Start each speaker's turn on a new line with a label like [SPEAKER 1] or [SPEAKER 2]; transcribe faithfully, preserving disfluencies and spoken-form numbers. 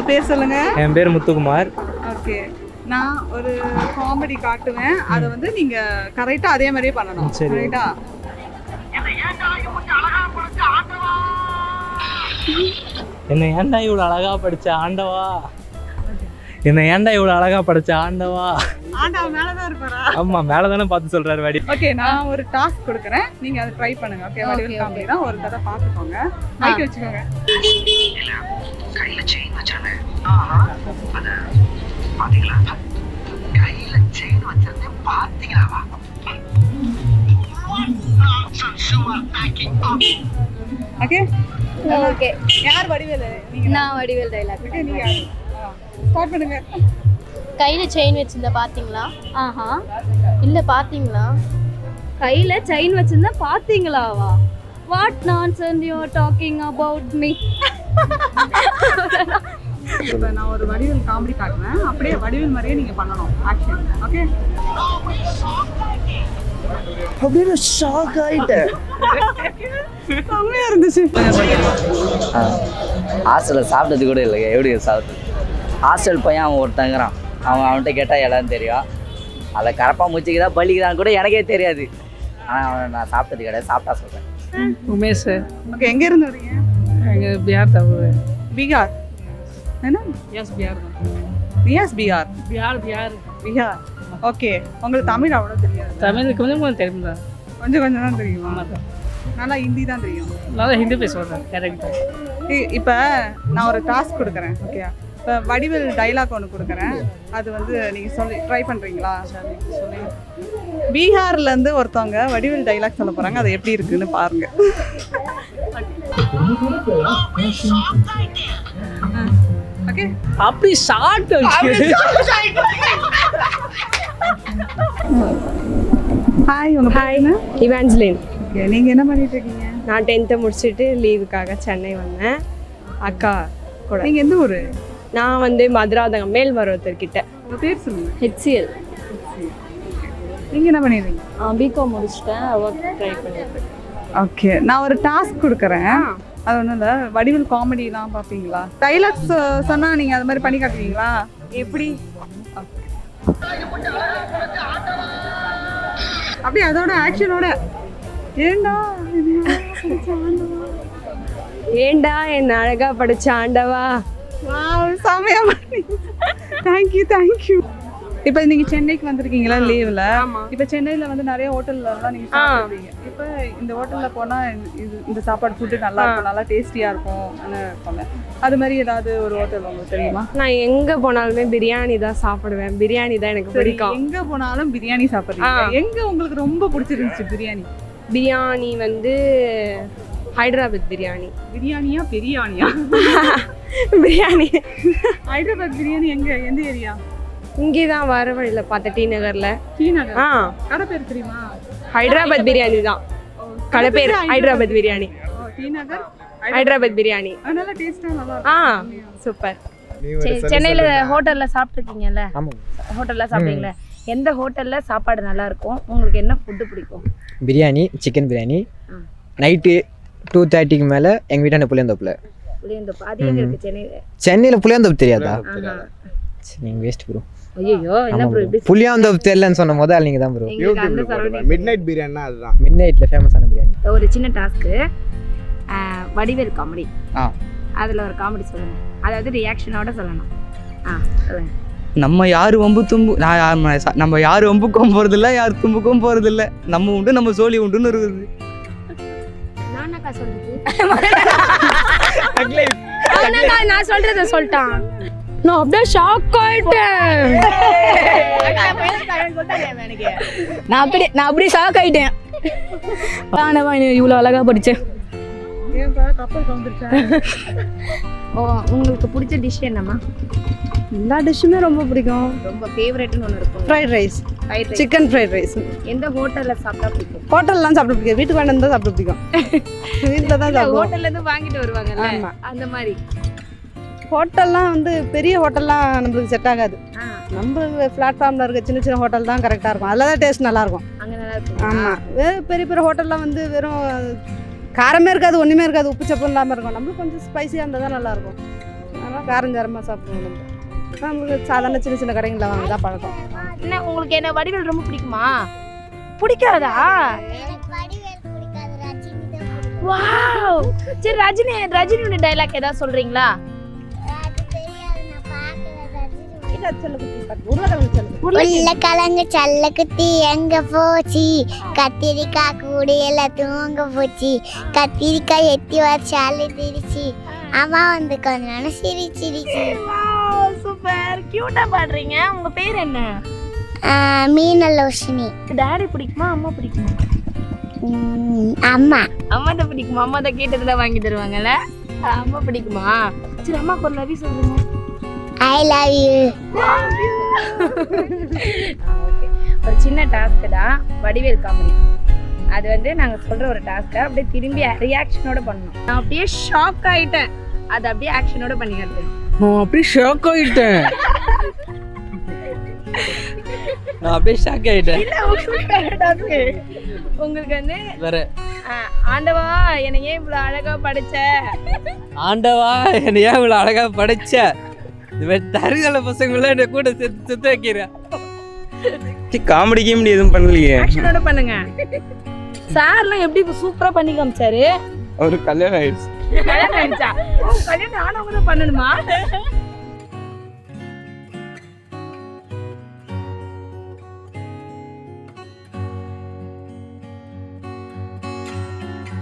[SPEAKER 1] பேர் சொல்லுங்க.
[SPEAKER 2] என் பேர் முத்துக்குமார்.
[SPEAKER 1] ஓகே, நான் ஒரு காமெடி காட்டுவேன், அதை வந்து நீங்க கரெக்டா அதே மாதிரியே பண்ணணும். கரெக்டா?
[SPEAKER 2] என்ன ஏன்டா இவ்வளோ அழகா படிச்ச ஆண்டவா, என்ன ஏன்டா இவ்வளோ அழகா படிச்ச ஆண்டவா.
[SPEAKER 1] ஆண்டவா மேலதான் இருப்பாரா?
[SPEAKER 2] ஆமா, மேலதானே பார்த்து சொல்றாரு வாடி.
[SPEAKER 1] ஓகே, நான் ஒரு டாஸ்க் கொடுக்குறேன், நீங்க அதை ட்ரை பண்ணுங்க. ஓகே, வடிவேல் காமெடி தான், ஒரு தடவை பார்த்துக்கோங்க. மைக் வச்சுக்கோங்க. கையில செயின் வச்சானே, அத பாத்தீங்களா? கையில செயின் வச்சிருந்தே பாத்தீங்களாவா? Okay
[SPEAKER 3] okay.
[SPEAKER 1] யார் வடிவேல்? நீங்க.
[SPEAKER 3] நான் வடிவேல் டைலாக்.
[SPEAKER 1] ஓகே, நீங்க ஸ்டார்ட் பண்ணுங்க.
[SPEAKER 3] கையில செயின் வச்சிருந்தா பாத்தீங்களா? ஆஹா, இல்ல பாத்தீங்களா? கையில செயின் வச்சிருந்தா பாத்தீங்களாவா? What nonsense you are talking about me?
[SPEAKER 1] இப்போ நான் ஒரு வடிவேல் காமெடி காட்டுவேன், அப்படியே வடிவேல் மாதிரியே நீங்க பண்ணணும். ஆக்ஷன். ஓகே.
[SPEAKER 4] அப்படியே ஷாக் ஆயிட்டேன்.
[SPEAKER 1] செம்மையா இருந்துச்சு.
[SPEAKER 4] ஹாஸ்டலில் சாப்பிட்டது கூட இல்லை. எப்படி சாப்பிட்டது? ஹாஸ்டல் பையன் அவன் ஒருத்தங்கிறான், அவன் அவன்கிட்ட கேட்டால் எல்லாம் தெரியும். அதை கரப்பாக முச்சிக்குதா பள்ளிக்குதான் கூட எனக்கே தெரியாது. ஆனால் அவனை நான் சாப்பிட்டது கிடையாது, சாப்பிட்டா சொல்கிறேன்.
[SPEAKER 5] உமேஷ்.
[SPEAKER 1] ஓகே, எங்க இருந்து வரீங்க?
[SPEAKER 5] எங்கள் பிஹார் தவிர.
[SPEAKER 1] பீகார் என்ன?
[SPEAKER 5] Yes Bihar.
[SPEAKER 1] Yes Bihar.
[SPEAKER 5] Bihar Bihar
[SPEAKER 1] Bihar. Okay, உங்களுக்கு தமிழ் அவ்வளோ தெரியாது?
[SPEAKER 5] தமிழ் கொஞ்சம் கொஞ்சம் தெரியும் தான்.
[SPEAKER 1] கொஞ்சம் கொஞ்சம் தான் தெரியுமா?
[SPEAKER 5] ஆமாம் தான்.
[SPEAKER 1] நல்லா ஹிந்தி தான் தெரியும்.
[SPEAKER 5] நல்லா ஹிந்தி பேசுவேன் கரெக்ட்.
[SPEAKER 1] இப்போ நான் ஒரு டாஸ்க் கொடுக்குறேன். ஓகே, இப்போ வடிவேல் டைலாக் ஒன்று கொடுக்குறேன், அது வந்து நீங்கள் சொல்லி ட்ரை பண்ணுறீங்களா? சொல்லுங்க. பீகார்லேருந்து ஒருத்தவங்க வடிவேல் டைலாக் சொல்ல போகிறாங்க, அது எப்படி இருக்குன்னு பாருங்க. ஓகே,
[SPEAKER 5] அப்படி ஷார்ட்.
[SPEAKER 1] ஹாய், உங்க
[SPEAKER 6] ஹாய், இவாஞ்சலின்.
[SPEAKER 1] ஓகே, நீங்கள் என்ன பண்ணிட்டு இருக்கீங்க?
[SPEAKER 6] நான் டென்த்தை முடிச்சுட்டு லீவுக்காக சென்னை வந்தேன் அக்கா கூட.
[SPEAKER 1] நீங்கள் எந்த ஊர்?
[SPEAKER 6] நான் வந்து மதுராதகம் மேல்மருவத்தூர்கிட்ட.
[SPEAKER 1] உங்கள் பேர் சொல்லுங்கள்.
[SPEAKER 6] ஹெச்சிஎல்.
[SPEAKER 1] நீங்கள் என்ன பண்ணிடுறீங்க?
[SPEAKER 6] பிகாம் முடிச்சிட்டேன், ஒர்க் ட்ரை பண்ணிட்டு.
[SPEAKER 1] ஓகே, நான் ஒரு டாஸ்க் கொடுக்குறேன், அது ஒன்றும் இல்லை. வடிவேல் காமெடிலாம் பார்ப்பீங்களா? டைலாக்ஸ் சொன்னால் நீங்கள் அது மாதிரி பண்ணி காட்டுவீங்களா? எப்படி? அப்படியே அதோட ஆக்ஷனோட. ஏண்டா
[SPEAKER 6] ஏண்டா என் அழகா படிச்ச ஆண்டவா.
[SPEAKER 1] செமையா பண்ணி. Thank you thank you. இப்போ நீங்கள் சென்னைக்கு வந்திருக்கீங்களா லீவில்? இப்போ சென்னையில் வந்து நிறைய ஹோட்டல்லாம் நீங்கள் சாப்பிடுவீங்க. இப்போ இந்த ஹோட்டலில் போனால் இது இந்த சாப்பாடு ஃபுட்டு நல்லா இருக்கும், நல்லா டேஸ்டியாக இருக்கும் இருக்கும்ல, அது மாதிரி ஏதாவது ஒரு ஹோட்டல் உங்களுக்கு தெரியுமா?
[SPEAKER 6] நான் எங்கே போனாலுமே பிரியாணி தான் சாப்பிடுவேன். பிரியாணி தான் எனக்கு பிடிக்கும்.
[SPEAKER 1] எங்கே போனாலும் பிரியாணி சாப்பிட்றீங்க. எங்கே உங்களுக்கு ரொம்ப பிடிச்சிருந்துச்சு பிரியாணி?
[SPEAKER 6] பிரியாணி வந்து ஹைதராபாத் பிரியாணி.
[SPEAKER 1] பிரியாணியா பிரியாணியா?
[SPEAKER 6] பிரியாணி.
[SPEAKER 1] ஹைதராபாத் பிரியாணி எங்கே, எந்த ஏரியா?
[SPEAKER 6] இங்கே தான் வர வழியில் பார்த்த டி நகரில்.
[SPEAKER 1] டி நகர்.
[SPEAKER 6] ஆ,
[SPEAKER 1] கடை பேர் தெரியுமா?
[SPEAKER 6] ஹைதராபாத் பிரியாணி தான் கடை பேர். ஹைதராபாத் பிரியாணி.
[SPEAKER 1] டி நகர்
[SPEAKER 6] ஹைதராபாத் பிரியாணி.
[SPEAKER 1] அதனால டேஸ்ட்டாக நல்லா
[SPEAKER 6] ஆ,
[SPEAKER 1] இருக்கும்.
[SPEAKER 6] சூப்பர்.
[SPEAKER 7] சென்னையில் ஹோட்டலில் சாப்பிட்ருக்கீங்கல்ல? ஹோட்டலில் சாப்பிட்டீங்களா? எந்த ஹோட்டலில் சாப்பாடு நல்லா இருக்கும்? உங்களுக்கு என்ன ஃபுட்டு பிடிக்கும்?
[SPEAKER 8] Biryani, chicken biryani. Night two தேர்ட்டிக்கு மேலே எங்கள் வீட்டான புளியந்தோப்பில்.
[SPEAKER 7] புளியந்தோப்பு அது எங்கே இருக்குது சென்னையில்?
[SPEAKER 8] சென்னையில் புளியந்தோப்பு தெரியாதா? நீங்கள் வேஸ்ட் ப்ரோ.
[SPEAKER 7] ஐயோ, என்ன ப்ரோ இப்படி?
[SPEAKER 8] புளியாந்தோப்பு தெரியலன்னு சொன்ன முதல் நீங்கள் தான் ப்ரோ.
[SPEAKER 9] மிட் நைட் பிரியாணினா அதுதான்
[SPEAKER 8] மிட் நைட்டில் ஃபேமஸான பிரியாணி.
[SPEAKER 7] ஒரு சின்ன டாஸ்க்கு, வடிவேல் காமெடி.
[SPEAKER 4] ஆ,
[SPEAKER 7] அதில் ஒரு காமெடி சொல்லணும், அதாவது ரியாக்ஷனோட சொல்லணும். ஆ சொல்லுங்க.
[SPEAKER 2] நம்ம யார் வம்பு தும்பு நான் நம்ம யார் வம்புக்கும் போகிறதில்ல, யார் தும்புக்கும் போகிறதில்ல, நம்ம உண்டு நம்ம சோழி உண்டுன்னு இருக்குது.
[SPEAKER 7] நானாக்கா சொல்றது? நான் சொல்றத சொல்லிட்டான்.
[SPEAKER 6] நான் அப்படியே ஷாக் ஆயிட்டேன்.
[SPEAKER 7] நான் அப்படி நான் அப்படி ஷாக் ஆயிட்டேன். இவ்வளோ அழகா படிச்சேன். ஓ, உங்களுக்கு பிடிச்ச டிஷ் என்னம்மா?
[SPEAKER 6] எல்லா டிஷ்ஷுமே ரொம்ப பிடிக்கும்.
[SPEAKER 7] ரொம்ப ஃபேவரட்னு ஒன்று இருக்கும்.
[SPEAKER 6] Fried rice, chicken fried rice.
[SPEAKER 7] எந்த ஹோட்டலில் சாப்பிட்டா பிடிக்கும்?
[SPEAKER 6] ஹோட்டல்லாம் சாப்பிட பிடிக்கும், வீட்டுக்கு வேணும் தான் சாப்பிட பிடிக்கும். வீட்டில் தான் சாப்பிடுவோம்.
[SPEAKER 7] ஹோட்டல்லேருந்து வாங்கிட்டு வருவாங்கல்ல, அந்த மாதிரி.
[SPEAKER 6] ஹோட்டல்லாம் வந்து பெரிய ஹோட்டல்லாம் நம்மளுக்கு செட் ஆகாது. நம்ம பிளாட்ஃபார்மில் இருக்க சின்ன சின்ன ஹோட்டல் தான் கரெக்டாக இருக்கும். அதில் தான் டேஸ்ட் நல்லாயிருக்கும்.
[SPEAKER 7] அங்கே நல்லா இருக்கும்.
[SPEAKER 6] ஆமாம், பெரிய பெரிய ஹோட்டல்லாம் வந்து வெறும் காரமே இருக்காது, ஒன்றுமே இருக்காது, உப்பு சப்பு இல்லாமல் இருக்கும். நம்மளுக்கு கொஞ்சம் ஸ்பைஸியாக இருந்தால் தான் நல்லாயிருக்கும். அதனால் காரஞ்சாரமாக சாப்பிடுவோம் நம்ம நம்மளுக்கு சாதாரண சின்ன சின்ன கடைகளில் வாங்க தான் பழக்கம்.
[SPEAKER 7] என்ன உங்களுக்கு என்ன வடிவேல் ரொம்ப பிடிக்குமா? பிடிக்காதா? வாவ், சரி ரஜினி ரஜினியோட டைலாக் ஏதாவது சொல்றீங்களா?
[SPEAKER 3] உருளைக்கிழங்கு சல்ல குத்தி எங்க போச்சு, கத்திரிக்காய் கூடையில தூங்க போச்சு, கத்திரிக்காய் எத்தி வச்சாலு திரிச்சு, அம்மா வந்து கொஞ்ச நேரம் சிரிச்சிருச்சு.
[SPEAKER 7] வாவ், சூப்பர், கியூட்டா பாடுறீங்க. உங்க பேர் என்ன?
[SPEAKER 3] மீனலோஷினி.
[SPEAKER 7] டாடி பிடிக்குமா அம்மா பிடிக்குமா?
[SPEAKER 3] அம்மா.
[SPEAKER 7] அம்மா தான் பிடிக்குமா? அம்மா தான் கேட்டதுல வாங்கி தருவாங்கல்ல. அம்மா பிடிக்குமா? சரி அம்மாக்கு ஒரு லவ் சொல்லுங்க.
[SPEAKER 3] I love you.
[SPEAKER 7] ஒரு சின்ன டாஸ்க் தான் வடிவேல் காமெடி. அது வந்து நாங்க சொல்ற ஒரு டாஸ்க் அப்படியே திரும்பி ரியாக்ஷனோட பண்ணணும். நான் அப்படியே ஷாக் ஆயிட்டேன், அது அப்படியே ஆக்ஷனோட பண்ணிக்கிறது.
[SPEAKER 5] நான் அப்படியே ஷாக் ஆயிட்டேன்
[SPEAKER 2] நான் அப்படியே ஷாக் ஆகிட்டேன்.
[SPEAKER 7] இல்ல உங்களுக்கு டாஸ்க் உங்களுக்கு வந்து
[SPEAKER 2] வேற
[SPEAKER 7] ஆண்டவா என்னை ஏன் இவ்வளவு அழகா படைச்ச,
[SPEAKER 2] ஆண்டவா என்னை ஏன் இவ்வளோ அழகாக படிச்ச, இவன் தருதல பசங்கள என்ன கூட செத்து செத்து வைக்கிறேன். காமெடி கிமெடி எதுவும் பண்ணலையே.
[SPEAKER 7] ஆக்ஷனோட பண்ணுங்க. சார்லாம் எப்படி சூப்பரா பண்ணி காமிச்சாரு.
[SPEAKER 2] ஒரு கல்யாணம் ஆயிடுச்சு.
[SPEAKER 7] கல்யாணம் ஆயிடுச்சா? கல்யாணம் ஆனவங்க தான் பண்ணணுமா?